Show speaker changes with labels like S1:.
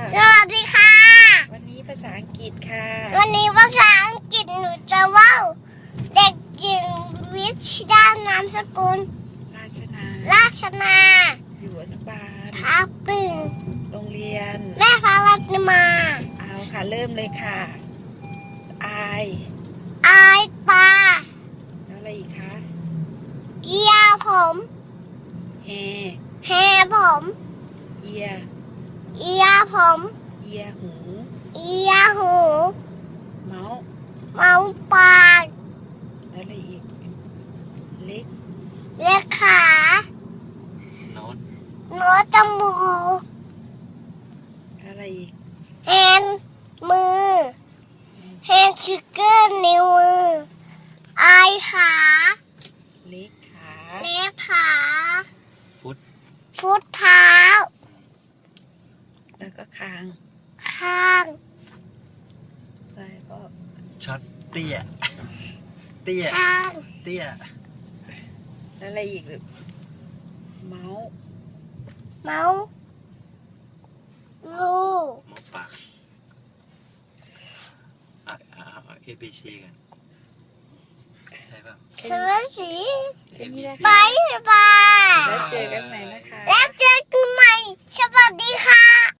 S1: สวัสดีค่ะ
S2: วันนี้ภาษาอังกฤษค่ะ
S1: วันนี้ภาษาอังกฤษหนูจะว่าเด็กหญิงวิชดานามสกุลราชนา
S2: อยู่อนุบาล
S1: ทับปึง
S2: โรงเรียน
S1: แม่พารัตมา
S2: เอาค่ะเริ่มเลยค่ะอาย
S1: ตา
S2: แล้วอะไรอีกคะ
S1: เอียผม
S2: แฮ
S1: ผม
S2: เอีย
S1: ผม
S2: เอียหู
S1: หู
S2: เมาส์
S1: เมาส์ปาก
S2: แล้วอะไรอีกเล็ก
S1: เล็กขา
S2: โน้ต
S1: จมูก
S2: แล้วอะไรอีก
S1: แฮนมือแฮนชิกเกอร์นิ้วมือไอขา
S2: เล็ก
S1: ขาฟุตเท้า
S2: แล้วก็คาง อะไรก็
S3: ช็อตเตี้ย
S1: ข้าง
S2: แล้วอะไรอีกหรือเมาส์
S1: ลูก
S3: หมอปากABC กันใช่ป่ะ
S1: สวัสดี
S3: ABC
S1: บายบาย
S2: แล้วเจอกันใหม่นะคะ
S1: แล้วเจอกันใหม่สวัสดีค่ะ